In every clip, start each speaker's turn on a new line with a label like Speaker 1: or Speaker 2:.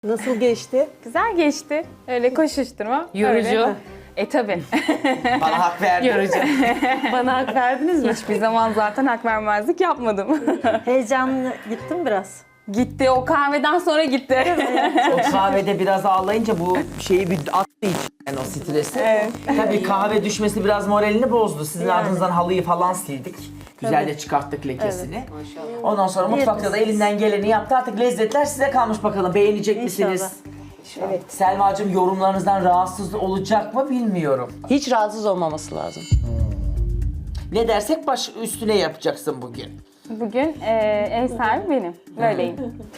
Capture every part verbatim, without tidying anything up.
Speaker 1: Nasıl geçti?
Speaker 2: Güzel geçti. Öyle koşuşturma.
Speaker 3: Yorucu.
Speaker 2: Öyle. E tabi.
Speaker 4: Bana hak verdin.
Speaker 3: Yorucu.
Speaker 2: Bana hak verdiniz mi? Hiçbir zaman zaten hak vermezlik yapmadım.
Speaker 1: Heyecanlı gittim biraz.
Speaker 2: Gitti. O kahveden sonra gitti.
Speaker 4: O kahvede biraz ağlayınca bu şeyi bir attı içinden o stresi.
Speaker 2: Evet.
Speaker 4: Tabii kahve düşmesi biraz moralini bozdu. Sizin
Speaker 1: Yani.
Speaker 4: ardınızdan halıyı falan sildik. Güzelce
Speaker 1: Evet.
Speaker 4: çıkarttık lekesini. Ondan sonra mutfakta da
Speaker 1: Yeriz.
Speaker 4: elinden geleni yaptı. Artık lezzetler size kalmış bakalım. Beğenecek
Speaker 1: İnşallah.
Speaker 4: misiniz? Evet. Selma'cığım yorumlarınızdan rahatsız olacak mı bilmiyorum.
Speaker 5: Hiç rahatsız olmaması lazım.
Speaker 4: Ne dersek baş üstüne yapacaksın bugün.
Speaker 2: Bugün e, ev sahibi benim. Böyleyim.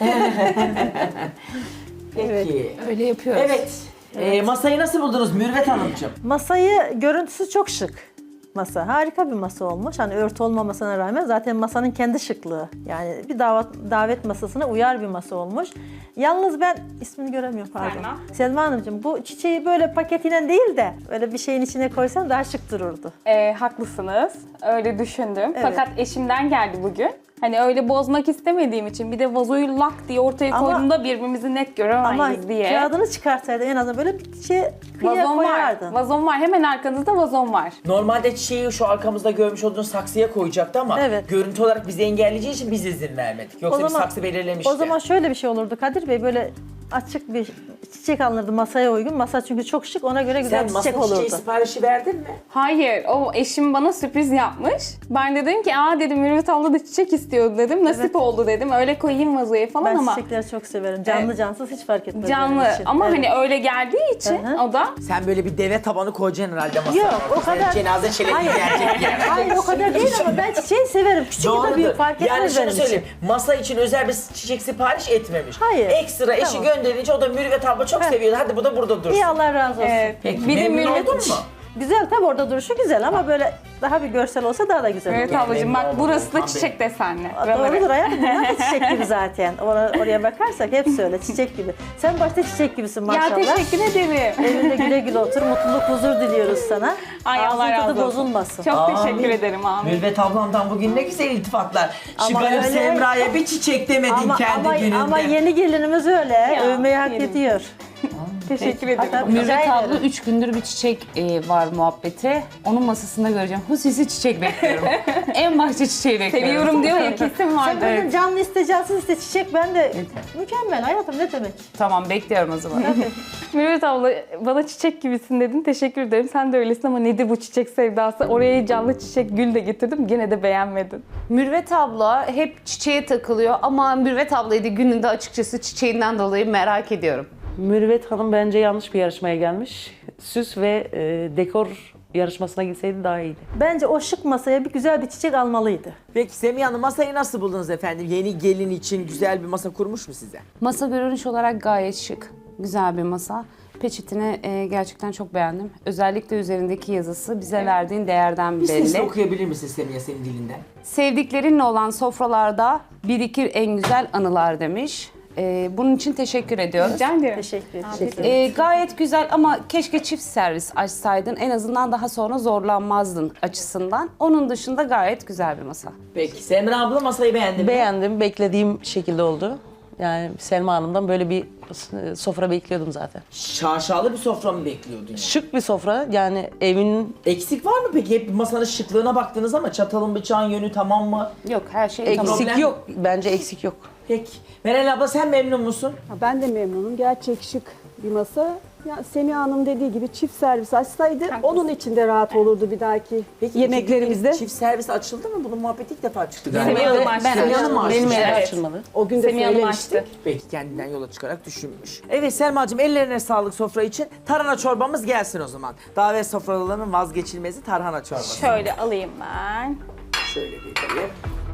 Speaker 4: Peki.
Speaker 3: Öyle yapıyoruz.
Speaker 4: Evet. Ee, masayı nasıl buldunuz Mürvet Hanımcığım?
Speaker 1: Masayı, görüntüsü çok şık. Masa. Harika bir masa olmuş. Hani örtü olmamasına rağmen zaten masanın kendi şıklığı. Yani bir davet, davet masasına uyar bir masa olmuş. Yalnız ben ismini göremiyorum pardon.
Speaker 2: Selma.
Speaker 1: Selma Hanımcığım bu çiçeği böyle paketiyle değil de böyle bir şeyin içine koysan daha şık dururdu.
Speaker 2: E, haklısınız. Öyle düşündüm.
Speaker 1: Evet.
Speaker 2: Fakat eşimden geldi bugün. Hani öyle bozmak istemediğim için bir de vazoyu lak diye ortaya
Speaker 1: Ama-
Speaker 2: koyduğumda birbirimizi net
Speaker 1: Ama
Speaker 2: göremeyiz diye.
Speaker 1: kağıdını çıkarsaydın en azından böyle bir şey kıyıya
Speaker 2: Vazon var.
Speaker 1: koyardın.
Speaker 2: Vazon var. Hemen arkanızda vazon var.
Speaker 4: Normalde çiçeği şu arkamızda görmüş olduğunuz saksıya koyacaktı ama
Speaker 1: Evet.
Speaker 4: görüntü olarak bizi engelleyeceği için biz izin vermedik. Yoksa bir saksı belirlemişti.
Speaker 1: O zaman şöyle bir şey olurdu Kadir Bey, böyle açık bir çiçek alınırdı masaya uygun. Masa çünkü çok şık, ona göre güzel
Speaker 4: sen
Speaker 1: bir
Speaker 4: masa
Speaker 1: çiçek
Speaker 4: çiçeği
Speaker 1: olurdu.
Speaker 4: siparişi verdin mi?
Speaker 2: Hayır, o eşim bana sürpriz yapmış. Ben de dedim ki, aa dedim Mürvet abla da çiçek istiyordu dedim. Nasip
Speaker 1: Evet.
Speaker 2: oldu dedim. Öyle koyayım vazoya falan
Speaker 1: Ben
Speaker 2: ama
Speaker 1: çiçekleri çok severim. Canlı
Speaker 2: Evet.
Speaker 1: cansız hiç fark etmez
Speaker 2: canlı.
Speaker 1: benim için.
Speaker 2: Ama
Speaker 1: Evet.
Speaker 2: hani öyle geldiği için
Speaker 1: Hı hı.
Speaker 2: o da
Speaker 4: Sen böyle bir deve tabanı koyacaksın herhalde masaya.
Speaker 1: Yok, o
Speaker 4: Sen
Speaker 1: kadar-
Speaker 4: Cenaze çelebi
Speaker 1: Hayır.
Speaker 4: gelecek yani.
Speaker 1: Hayır o kadar değil ama ben çiçeği severim. Küçük ya da büyük fark etmez
Speaker 4: Yani şunu
Speaker 1: benim için.
Speaker 4: söyleyeyim. Masa için özel bir çiçek sipariş etmemiş.
Speaker 1: Hayır.
Speaker 4: Ekstra eşi
Speaker 1: Tamam.
Speaker 4: gönderince o da Mürvet abla çok
Speaker 1: Heh.
Speaker 4: seviyordu. Hadi bu da burada dursun.
Speaker 1: İyi, Allah razı olsun.
Speaker 2: evet.
Speaker 4: Peki
Speaker 2: Bir de
Speaker 4: memnun
Speaker 2: Mürvet
Speaker 4: oldun mu?
Speaker 1: Güzel tabii, orada duruşu güzel ama böyle daha bir görsel olsa daha da güzel olur.
Speaker 2: Mürvet ablacığım
Speaker 4: memnun
Speaker 2: bak
Speaker 4: oldum.
Speaker 2: burası da
Speaker 4: Tamam,
Speaker 2: çiçek desenli.
Speaker 1: Doğrudur
Speaker 2: Buraları.
Speaker 1: hayatım, bunlar da çiçek gibi zaten. Or- oraya bakarsak hepsi öyle çiçek gibi. Sen başta çiçek gibisin maşallah.
Speaker 2: Ya teşekkür ederim.
Speaker 1: Evinde güle güle otur, mutluluk, huzur diliyoruz sana.
Speaker 2: Ay Allah
Speaker 1: Ağzın
Speaker 2: razı
Speaker 1: tadı
Speaker 2: olsun.
Speaker 1: bozulmasın.
Speaker 2: Çok
Speaker 4: Amin.
Speaker 2: teşekkür ederim amin.
Speaker 4: Mürvet ablamdan bugün ne güzel iltifatlar. Şu
Speaker 1: Ama
Speaker 4: garip
Speaker 1: öyle-
Speaker 4: Semra'ya bir çiçek demedin
Speaker 1: Ama,
Speaker 4: kendi
Speaker 1: ama,
Speaker 4: gününde.
Speaker 1: ama yeni gelinimiz öyle. Övmeyi hak
Speaker 2: yerim.
Speaker 1: ediyor.
Speaker 2: Teşekkür ederim.
Speaker 1: Hatta rica
Speaker 3: Mürvet abla
Speaker 1: ederim.
Speaker 3: üç gündür bir çiçek e, var muhabbeti. Onun masasında göreceğim. Hususi çiçek bekliyorum. En başta çiçeği bekliyorum.
Speaker 2: Seviyorum diyor ya kesin
Speaker 1: Sen
Speaker 2: vardır.
Speaker 1: böyle canlı iste, cansız iste, çiçek ben de mükemmel hayatım, ne demek.
Speaker 3: Tamam bekliyorum o zaman.
Speaker 2: Mürvet abla bana çiçek gibisin dedin. Teşekkür ederim. Sen de öylesin ama nedir bu çiçek sevdası? Oraya canlı çiçek, gül de getirdim. Gene de beğenmedin.
Speaker 3: Mürvet abla hep çiçeğe takılıyor ama Mürvet ablayı da gününde açıkçası çiçeğinden dolayı merak ediyorum.
Speaker 5: Mürvet Hanım bence yanlış bir yarışmaya gelmiş. Süs ve e, dekor yarışmasına gitseydi daha iyiydi.
Speaker 1: Bence o şık masaya bir güzel bir çiçek almalıydı.
Speaker 4: Peki Semih Hanım masayı nasıl buldunuz efendim? Yeni gelin için güzel bir masa kurmuş mu size?
Speaker 3: Masa görünüş olarak gayet şık. Güzel bir masa. Peçetini e, gerçekten çok beğendim. Özellikle üzerindeki yazısı bize verdiğin değerden
Speaker 4: Bir sesle
Speaker 3: belli.
Speaker 4: okuyabilir misin Semih senin dilinden?
Speaker 3: Sevdiklerinle olan sofralarda birikir en güzel anılar demiş. E, bunun için teşekkür ediyoruz.
Speaker 2: Rica ederim.
Speaker 1: Teşekkür ederim.
Speaker 3: E, gayet güzel ama keşke çift servis açsaydın. En azından daha sonra zorlanmazdın açısından. Onun dışında gayet güzel bir masa.
Speaker 4: Peki Semra abla masayı beğendi mi?
Speaker 5: Beğendim, beklediğim şekilde oldu. Yani Selma Hanım'dan böyle bir e, sofra bekliyordum zaten.
Speaker 4: Şaşalı bir sofra mı bekliyordun yani?
Speaker 5: Şık bir sofra, yani evin
Speaker 4: Eksik var mı peki? Hep masanın şıklığına baktınız ama çatalın bıçağın yönü tamam mı?
Speaker 3: Yok her şey tamam.
Speaker 5: eksik
Speaker 4: Problem-
Speaker 5: yok. Bence eksik yok.
Speaker 4: Peki. Meral abla sen memnun musun?
Speaker 6: Ha, Ben de memnunum. Gerçek şık bir masa. Ya Semih Hanım dediği gibi çift servis açsaydı onun için de rahat olurdu bir dahaki
Speaker 4: Peki
Speaker 6: yemeklerimizde.
Speaker 4: iki- Çift servis açıldı mı? Bunun muhabbeti ilk defa çıktı galiba.
Speaker 2: Semih Hanım açtı.
Speaker 3: Ben
Speaker 4: Semih Hanım mı açtı?
Speaker 5: Benim evim
Speaker 2: Evet.
Speaker 5: açılmadı.
Speaker 6: O gün de
Speaker 2: Semih Hanım
Speaker 6: söylemiştik.
Speaker 2: açtı.
Speaker 4: Peki kendinden yola çıkarak düşünmüş. Evet Selma'cığım ellerine sağlık sofra için. Tarhana çorbamız gelsin o zaman. Davet sofralarının vazgeçilmezi tarhana çorbası.
Speaker 2: Şöyle alayım ben.
Speaker 4: Şöyle bir yapayım.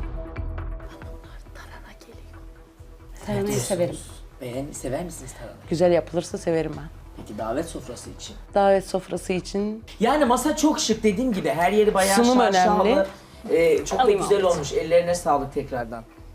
Speaker 3: Tarhanayı severim.
Speaker 4: Beğen, sever misiniz tarhana?
Speaker 5: Güzel yapılırsa severim ben.
Speaker 4: Peki davet sofrası için?
Speaker 5: Davet sofrası için
Speaker 4: Yani masa çok şık dediğim gibi her yeri bayağı
Speaker 5: Sunum
Speaker 4: şaşalı.
Speaker 5: önemli.
Speaker 4: Ee, çok
Speaker 2: Alayım
Speaker 4: da güzel
Speaker 2: ablacığım.
Speaker 4: olmuş. Ellerine sağlık tekrardan.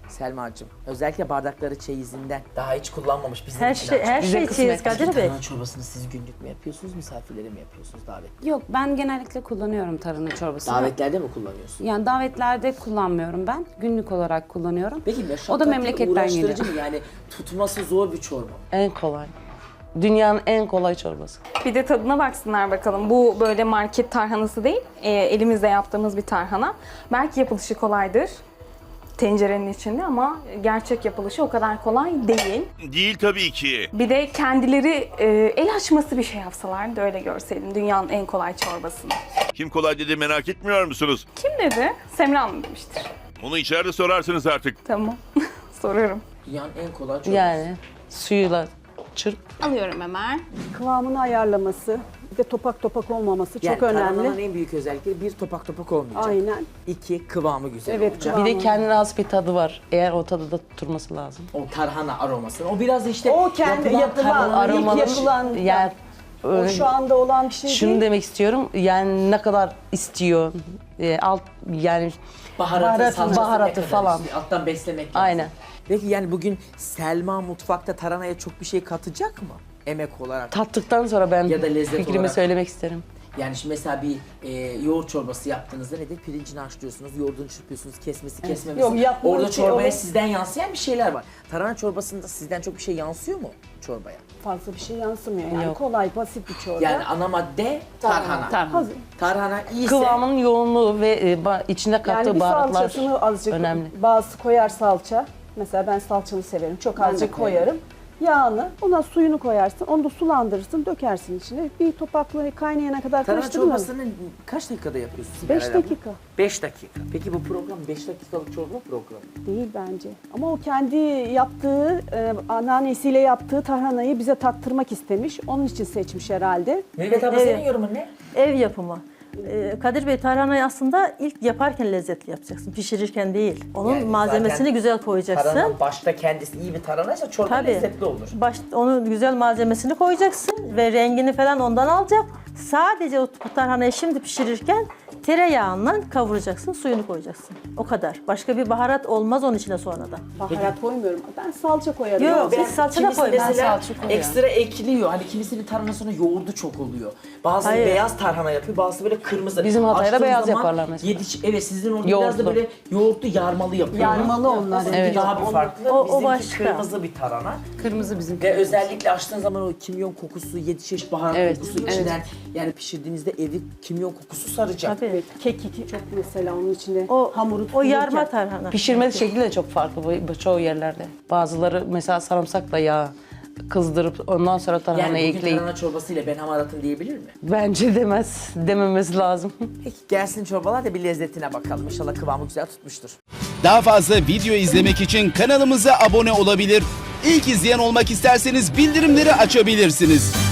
Speaker 4: Selma'cığım. Özellikle bardakları çeyizinden daha hiç kullanmamış bizim
Speaker 1: Her
Speaker 4: için
Speaker 1: şey,
Speaker 4: açmış.
Speaker 1: her
Speaker 5: Bize
Speaker 1: şey
Speaker 5: kısmet.
Speaker 1: çeyiz Kadir Bey.
Speaker 4: Tarhana çorbasını siz günlük mü yapıyorsunuz, misafirlere mi yapıyorsunuz davet?
Speaker 3: Yok, ben genellikle kullanıyorum tarhana çorbasını.
Speaker 4: Davetlerde mi kullanıyorsun?
Speaker 3: Yani davetlerde kullanmıyorum ben. Günlük olarak kullanıyorum.
Speaker 4: Peki
Speaker 3: O da
Speaker 4: meşakkatli,
Speaker 3: memleketten
Speaker 4: uğraştırıcı
Speaker 3: geliyor.
Speaker 4: mı? Yani tutması zor bir çorba.
Speaker 5: En kolay. Dünyanın en kolay çorbası.
Speaker 2: Bir de tadına baksınlar bakalım. Bu böyle market tarhanası değil, e, elimizde yaptığımız bir tarhana. Belki yapılışı kolaydır tencerenin içinde ama gerçek yapılışı o kadar kolay değil.
Speaker 7: Değil tabii ki.
Speaker 2: Bir de kendileri e, el açması bir şey yapsalardı öyle görseydim dünyanın en kolay çorbasını.
Speaker 7: Kim kolay dedi merak etmiyor musunuz?
Speaker 2: Kim dedi? Semra Hanım demiştir.
Speaker 7: Onu içeride sorarsınız artık.
Speaker 2: Tamam. Sorarım.
Speaker 4: Dünyanın en kolay çorbası.
Speaker 5: Yani suyuyla çırp.
Speaker 2: Alıyorum hemen.
Speaker 6: Kıvamını ayarlaması, bir de topak topak olmaması
Speaker 4: Yani
Speaker 6: çok önemli.
Speaker 4: tarhananın en büyük özellikleri bir, topak topak olmayacak.
Speaker 6: Aynen.
Speaker 4: İki, kıvamı güzel
Speaker 6: Evet,
Speaker 4: olacak.
Speaker 6: kıvamı.
Speaker 5: Bir de kendine has bir tadı var. Eğer o tadı da tutturması lazım.
Speaker 4: O tarhana aromasını. O biraz işte
Speaker 6: O kendi yapılan,
Speaker 4: tarhana-
Speaker 6: ilk
Speaker 5: Aromalı
Speaker 6: yapılan,
Speaker 5: yani
Speaker 6: o
Speaker 5: öyle-
Speaker 6: şu anda olan bir şey
Speaker 5: şunu
Speaker 6: değil.
Speaker 5: demek istiyorum. Yani ne kadar istiyor. e, alt yani
Speaker 4: Baharatı,
Speaker 5: Baharatı,
Speaker 4: salçası
Speaker 5: baharatı
Speaker 4: ne kadar
Speaker 5: falan.
Speaker 4: istiyor? Alttan beslemek lazım.
Speaker 5: Aynen.
Speaker 4: Peki yani bugün Selma mutfakta tarhanaya çok bir şey katacak mı? Emek olarak.
Speaker 5: tattıktan sonra ben
Speaker 4: Ya da lezzet
Speaker 5: fikrimi
Speaker 4: olarak.
Speaker 5: söylemek isterim.
Speaker 4: Yani şimdi mesela bir e, yoğurt çorbası yaptığınızda nedir? Pirincini haşlıyorsunuz, yoğurdunu çırpıyorsunuz, kesmesi, kesmemesi.
Speaker 6: Yok, yapma
Speaker 4: Orada
Speaker 6: şey,
Speaker 4: çorbaya
Speaker 6: o-
Speaker 4: sizden yansıyan bir şeyler var. Tarhana çorbasında sizden çok bir şey yansıyor mu çorbaya?
Speaker 6: Fazla bir şey yansımıyor. Yani
Speaker 5: Yok.
Speaker 6: kolay, basit bir çorba.
Speaker 4: Yani ana madde tarhana.
Speaker 3: Tarhana.
Speaker 6: Hazır.
Speaker 4: Tarhana iyiyse
Speaker 5: Kıvamının yoğunluğu ve e, ba- içinde kattığı
Speaker 6: Yani bir
Speaker 5: baharatlar
Speaker 6: salçasını azıcık,
Speaker 5: önemli.
Speaker 6: bazısı koyar salça. Mesela ben salçalı severim. Çok
Speaker 3: Ben de
Speaker 6: azıcık
Speaker 3: koyarım.
Speaker 6: koyarım. Yağını, ona suyunu koyarsın. Onu da sulandırırsın, dökersin içine. Bir topakla kaynayana kadar
Speaker 4: tarhana
Speaker 6: karıştırılır.
Speaker 4: çorbasını kaç dakikada yapıyorsunuz?
Speaker 6: beş
Speaker 4: Meral abla?
Speaker 6: dakika.
Speaker 4: beş dakika. Peki bu program beş dakikalık çorba programı.
Speaker 6: Değil bence. Ama o kendi yaptığı, e, anneannesiyle yaptığı tarhanayı bize tattırmak istemiş. Onun için seçmiş herhalde.
Speaker 4: Mehmet abla
Speaker 1: Evet.
Speaker 4: senin yorumun ne?
Speaker 1: Ev yapımı. Ee, Kadir Bey tarhanayı aslında ilk yaparken lezzetli yapacaksın. Pişirirken değil. Onun
Speaker 4: Yani
Speaker 1: malzemesini
Speaker 4: zaten
Speaker 1: güzel koyacaksın.
Speaker 4: Tarhana başta kendisi iyi bir tarhanaysa çorba
Speaker 1: Tabii.
Speaker 4: lezzetli olur.
Speaker 1: Baş, onu güzel malzemesini koyacaksın ve rengini falan ondan alacak. Sadece o tarhanayı şimdi pişirirken tereyağından kavuracaksın, suyunu koyacaksın. O kadar. Başka bir baharat olmaz onun içine sonradan.
Speaker 6: Baharat koymuyorum. Ben salça koyarım.
Speaker 1: Yok,
Speaker 6: Ben-
Speaker 1: biz salça da
Speaker 4: Kimisi
Speaker 1: koymayız.
Speaker 4: mesela
Speaker 3: salça koyuyorum.
Speaker 4: ekstra ekliyor. Hani kimisinin tarhanasına yoğurdu çok oluyor. Bazı
Speaker 1: Hayır.
Speaker 4: beyaz tarhana yapıyor, bazı böyle kırmızı.
Speaker 5: Bizim Hatay'da
Speaker 4: Açtığın
Speaker 5: beyaz
Speaker 4: zaman
Speaker 5: yaparlar mesela.
Speaker 4: Yedi, evet sizin orada biraz da
Speaker 5: Yoğurtlu.
Speaker 4: böyle yoğurtlu yarmalı yapıyor.
Speaker 6: Yarmalı onlar.
Speaker 4: Sizinki
Speaker 5: Evet.
Speaker 4: daha bir farklı.
Speaker 1: O- o
Speaker 4: Bizimki
Speaker 1: başka.
Speaker 4: kırmızı bir tarhana.
Speaker 3: Kırmızı bizim.
Speaker 4: Ve özellikle açtığın zaman o kimyon kokusu, yedi çeşit baharat
Speaker 5: Evet,
Speaker 4: kokusu içinden yani pişirdiğinizde evi kimyon kokusu saracak.
Speaker 1: Tabii.
Speaker 6: Evet, kekik çok mesela onun içinde
Speaker 1: O,
Speaker 6: hamuru
Speaker 1: o
Speaker 6: tutulurken-
Speaker 1: yarma tarhana.
Speaker 5: Pişirme şekli de çok farklı bu, bu çoğu yerlerde. Bazıları mesela sarımsakla yağ kızdırıp ondan sonra tarhanayı
Speaker 4: Yani bugün
Speaker 5: ekleyip
Speaker 4: tarhana çorbasıyla ben hamaratım diyebilir mi?
Speaker 5: bence demez, dememesi lazım.
Speaker 4: Peki gelsin çorbalar da bir lezzetine bakalım. İnşallah kıvamı güzel tutmuştur.
Speaker 8: Daha fazla video izlemek için kanalımıza abone olabilir. İlk izleyen olmak isterseniz bildirimleri açabilirsiniz.